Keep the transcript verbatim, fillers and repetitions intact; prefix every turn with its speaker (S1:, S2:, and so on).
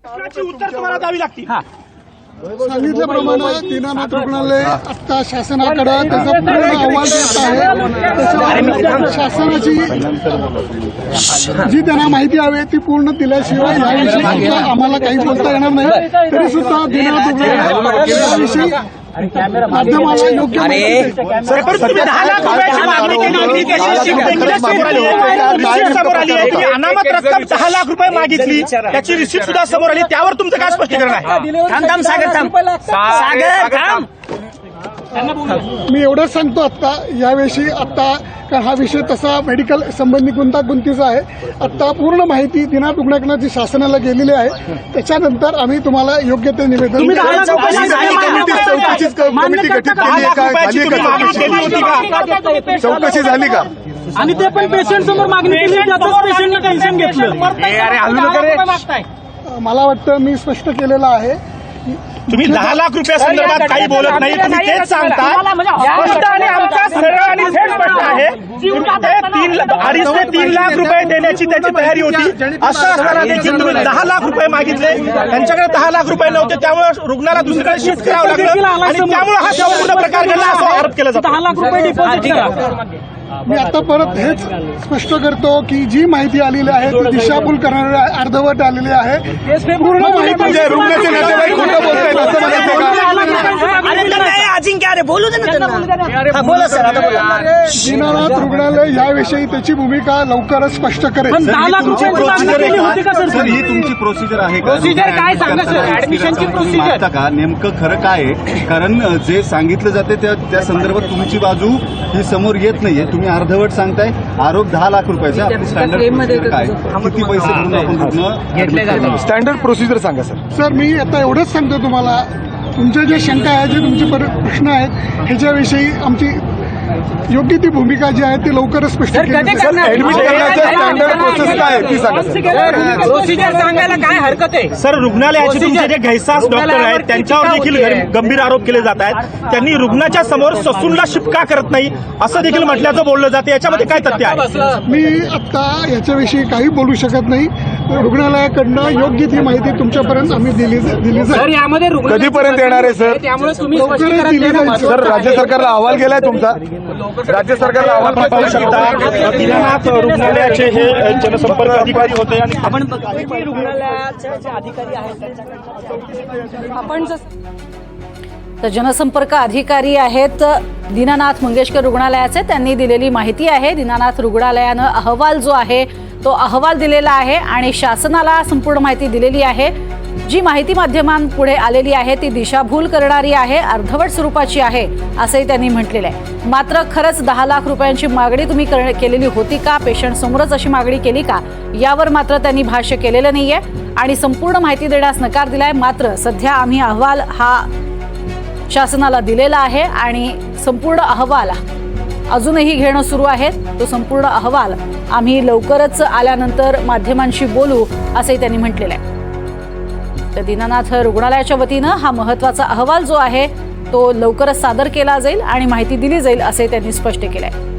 S1: प्रश्नाची उत्तर तुम्हाला द्यावी लागतील.
S2: सांगितल्याप्रमाणे दीनानाथ रुग्णालय आता शासनाकडे त्याचा पूर्ण अहवाल देत आहे. त्याच्यावर शासनाची जी त्यांना माहिती हवी ती पूर्ण दिल्याशिवाय याविषयी आम्हाला काही बोलता येणार नाही. तरी सुद्धा दीनानाथ रुग्णालय याविषयी माध्यमाला योग्य
S1: तुम्ही दहा लाख रुपयाची मागणी केली होती त्याची समोर आली आहे. समोर आली आहे की अनामत रक्कम दहा लाख रुपये मागितली त्याची रिसिप्ट सुद्धा समोर आली. त्यावर तुमचं काय स्पष्टीकरण आहे? थांब थांब सागर थांब सागर थांब.
S2: मी एवढंच सांगतो आता याविषयी आता कारण हा विषय तसा मेडिकल संबंधी गुंतागुंतीचा आहे. आता पूर्ण माहिती दीनानाथ रुग्णालयाची शासनाला गेलेली आहे. त्याच्यानंतर आम्ही तुम्हाला योग्य ते निवेदन
S1: कमिटी गठीत केली का?
S3: चौकशी झाली का?
S4: आणि ते पण पेशंट समोर मागणी केली त्यातच पेशंटने टेन्शन घेतलं.
S2: मला वाटतं मी स्पष्ट केलेलं आहे.
S1: तुम्ही दहा लाख रुपया संदर्भात काही बोलत नाही. तुम्ही तेच सांगता स्पष्ट आणि आमचा सरळ आणि थेट स्पष्ट आहे. तीन अडीच ते तीन लाख रुपये देण्याची त्याची तयारी होती. असं असताना देखील तुम्ही दहा लाख रुपये मागितले. त्यांच्याकडे दहा लाख रुपये नव्हते त्यामुळे रुग्णाला दुसरीकडे शिफ्ट करावं लागलं आणि त्यामुळे हा संपूर्ण प्रकार घडला असं आरोप केला जातो.
S4: दहा लाख रुपये डिपॉझिट करा.
S2: मी आता परत हेच स्पष्ट करतो की जी माहिती आलेली आहे ती दिशाभूल करणारी अर्धवट आलेली आहे. पूर्ण माहिती
S3: रुग्णाचे नातेवाईक खोटं बोलतायत असं म्हणायचं का?
S1: अजिंक्य अरे बोलू दे ना. बोला सर आता बोला.
S2: दीनानाथ रुग्णालय याविषयी त्याची भूमिका लवकरच स्पष्ट करेल.
S4: दहा लाख रुपये
S3: प्रोसिजर आहे
S4: होती का
S3: का?
S4: सर?
S3: सर ही तुमची प्रोसिजर आहे का?
S4: प्रोसिजर काय सांगा सर? ऍडमिशनची प्रोसिजर
S3: मागता का नेमकं खरं काय आहे? कारण जे सांगितलं जाते त्या त्या संदर्भात तुमची बाजू ही समोर येत नाहीये. तुम्ही अर्धवट सांगताय. आरोप दहा लाख रुपयाचा. आपली स्टँडर्ड प्रोसिजर काय? किती पैसे भरून आपण रुग्ण
S5: स्टँडर्ड प्रोसिजर सांगा सर.
S2: सर मी आता एवढंच सांगतो तुम्हाला तुमच्या जे शंका आहेत जे तुमचे प्रश्न आहेत ह्याच्याविषयी आमची योग्य ती भूमिका जी आहे ती लवकरच स्पष्ट केली जाईल.
S5: ऍडमिट करण्याचं स्टँडर्ड प्रोसेस काय आहे ती सांगा सर.
S4: प्रोसिजर सांगायला काय हरकत आहे?
S1: सर रुग्णालयाचे तुमचे जे घैसास डॉक्टर आहेत त्यांच्यावर देखील गंभीर आरोप केले जात आहेत. त्यांनी रुग्णाच्या समोर ससूनला शिपका करत नाही असं देखील म्हटल्याचं बोललं जातं. याच्यामध्ये काय तथ्य आहे?
S2: मी आता याच्याविषयी काही बोलू शकत नाही. रुग्णालयाकडनं योग्य ती माहिती तुमच्यापर्यंत आम्ही दिली दिली
S4: सर
S2: जाईल.
S4: यामध्ये रुग्ण
S5: कधीपर्यंत येणार आहे सर?
S4: त्यामुळे तुम्ही
S2: लवकरच
S4: स्पष्टीकरण
S2: दिली
S4: देणं
S2: जाईल.
S5: सर राज्य सरकारला अहवाल गेलाय तुमचा? राज्य सरकारला अहवाल
S1: पाहू
S5: पाठवू
S1: शकता दीनानाथ रुग्णालयाचे हे जनसंपर्क अधिकारी होते आणि
S4: आपण रुग्णालयाचे जे अधिकारी आहेत आपण
S6: तर जनसंपर्क अधिकारी आहेत दीनानाथ मंगेशकर रुग्णालयाचे. त्यांनी दिलेली माहिती आहे. दीनानाथ रुग्णालयानं अहवाल जो आहे तो अहवाल दिलेला आहे आणि शासनाला संपूर्ण माहिती दिलेली आहे. जी माहिती माध्यमांपुढे आलेली आहे ती दिशाभूल करणारी आहे, अर्धवट स्वरूपाची आहे असंही त्यांनी म्हटलेलं आहे. मात्र खरंच दहा लाख रुपयांची मागणी तुम्ही केलेली होती का? पेशंट समोरच अशी मागणी केली का? यावर मात्र त्यांनी भाष्य केलेलं नाहीये आणि संपूर्ण माहिती देण्यास नकार दिलाय. मात्र सध्या आम्ही अहवाल हा शासनाला दिलेला आहे आणि संपूर्ण अहवाल अजूनही घेणं सुरू आहे. तो संपूर्ण अहवाल आम्ही लवकरच आल्यानंतर माध्यमांशी बोलू असंही त्यांनी म्हटलेलं आहे. तर दीनानाथ रुग्णालयाच्या वतीनं हा महत्त्वाचा अहवाल जो आहे तो लवकरच सादर केला जाईल आणि माहिती दिली जाईल असे त्यांनी स्पष्ट केलं आहे.